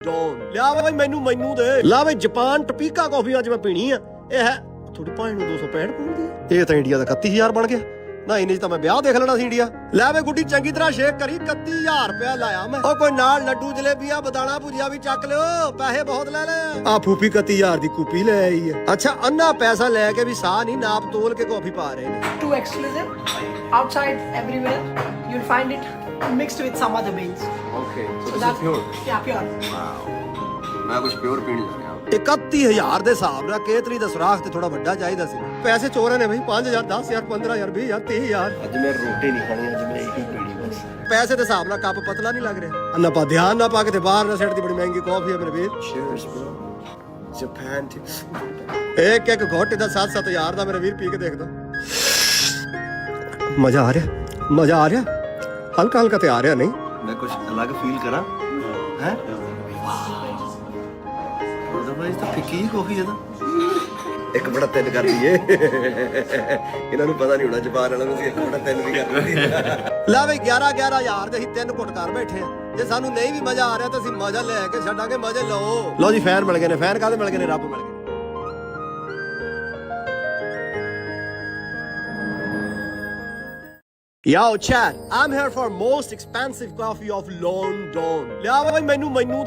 Don ਲਿਆ ਬਈ ਮੈਨੂੰ ਦੇ ਲਾ ਬਈ ਜਾਪਾਨ ਟਪੀਕਾ ਕਾਫੀ ਅੱਜ ਮੈਂ ਪੀਣੀ ਆ। ਇਹ ਹੈ ਥੋੜੀ ਭਾਣ ਨੂੰ 265 ਪਾਉਂਦੀ ਆ। ਇਹ ਤਾਂ ਇੰਡੀਆ ਦਾ 31000 ਬਣ ਗਿਆ ਨਾ। ਇਹਨੇ ਚ ਤਾਂ ਮੈਂ ਵਿਆਹ ਦੇਖ ਲੈਣਾ ਸੀ ਇੰਡੀਆ। ਲੈ ਵੇ ਗੁੱਡੀ ਚੰਗੀ ਤਰ੍ਹਾਂ ਸ਼ੇਕ ਕਰੀ। 31000 ਰੁਪਇਆ ਲਾਇਆ ਮੈਂ। ਉਹ ਕੋਈ ਨਾਲ ਲੱਡੂ ਜਲੇਬੀਆਂ ਬਦਾਣਾ ਭੁਜੀਆ ਵੀ ਚੱਕ ਲਿਓ। ਪੈਸੇ ਬਹੁਤ ਲੈ ਲੈ। ਆ ਫੂਫੀ 31000 ਦੀ ਕੂਪੀ ਲੈ ਆਈ ਹੈ। ਅੱਛਾ ਅੰਨਾ ਪੈਸਾ ਲੈ ਕੇ ਵੀ ਸਾਹ ਨਹੀਂ ਨਾਪ ਤੋਲ ਕੇ ਕਾਫੀ ਪਾ ਰਹੇ ਨੇ। Too exclusive. Outside everywhere you'll find it mixed with some other beans. Okay, so this is pure. Yeah, pure. Wow. मैं कुछ प्योर पीने जा रहा हूँ। 31000 ਦੇ ਹਿਸਾਬ ਨਾਲ ਕੇਤਰੀ ਦਾ ਸੁਰਾਖ ਤੇ ਥੋੜਾ ਵੱਡਾ ਚਾਹੀਦਾ ਸੀ। ਪੈਸੇ ਚੋਰਾਂ ਨੇ ਬਈ 5000 10000 15000 20000 30000। आज मैं रोटी नहीं खानी, आज मैं यही पीनी बस। ਪੈਸੇ ਦੇ ਹਿਸਾਬ ਨਾਲ ਕੱਪ ਪਤਲਾ ਨਹੀਂ ਲੱਗ ਰਿਹਾ। ਅੰਨਾ ਪਾ ਧਿਆਨ ਨਾ ਪਾ ਕੇ ਤੇ ਬਾਹਰ ਨਾ ਸਿੱਟ ਦੀ ਬੜੀ ਮਹਿੰਗੀ ਕਾਫੀ ਹੈ ਮੇਰੇ ਵੀਰ। Cheers, bro. Japan too. ਇੱਕ ਘੋਟੇ ਦਾ 7-7000 ਦਾ ਮੇਰੇ ਵੀਰ ਪੀ ਕੇ ਦੇਖਦਾ। ਮਜ਼ਾ ਆ ਰਿਹਾ ਹਲਕਾ ਹਲਕਾ ਤੇ ਆ ਰਿਹਾ ਨਹੀਂ। मैं कुछ अलग फील करा हैं? तो भाई तो फिक्की कॉफी है ना। एक बड़ा ਤਿੰਨ ਕਰ ਲਈਏ। ਇਹਨਾਂ ਨੂੰ ਪਤਾ ਨਹੀਂ ਹੋਣਾ ਜਾਪਾਨ ਵਾਲਿਆਂ ਨੂੰ ਸੀ ਇੱਕ ਬੜਾ ਤਿੰਨ ਵੀ ਕਰ ਲਈ। ਲੈ ਬਈ 11,000 ਦੇ ਅਸੀਂ 3 ਘੁੱਟ ਕਰ ਬੈਠੇ ਆ। ਜੇ ਸਾਨੂੰ ਨਹੀਂ ਵੀ ਮਜ਼ਾ ਆ ਰਿਹਾ ਤਾਂ ਅਸੀਂ ਮਜ਼ਾ ਲੈ ਕੇ ਛੱਡਾਂਗੇ। ਮਜ਼ੇ ਲਓ ਜੀ। ਫੈਨ ਮਿਲ ਗਏ ਨੇ। ਫੈਨ ਕਾਹਦੇ ਮਿਲ ਗਏ ਨੇ? ਰੱਬ ਮਿਲ ਗਏ। Yo, chat. I'm here for most expensive coffee of London. ਲਿਆ ਬਈ ਮੈਨੂੰ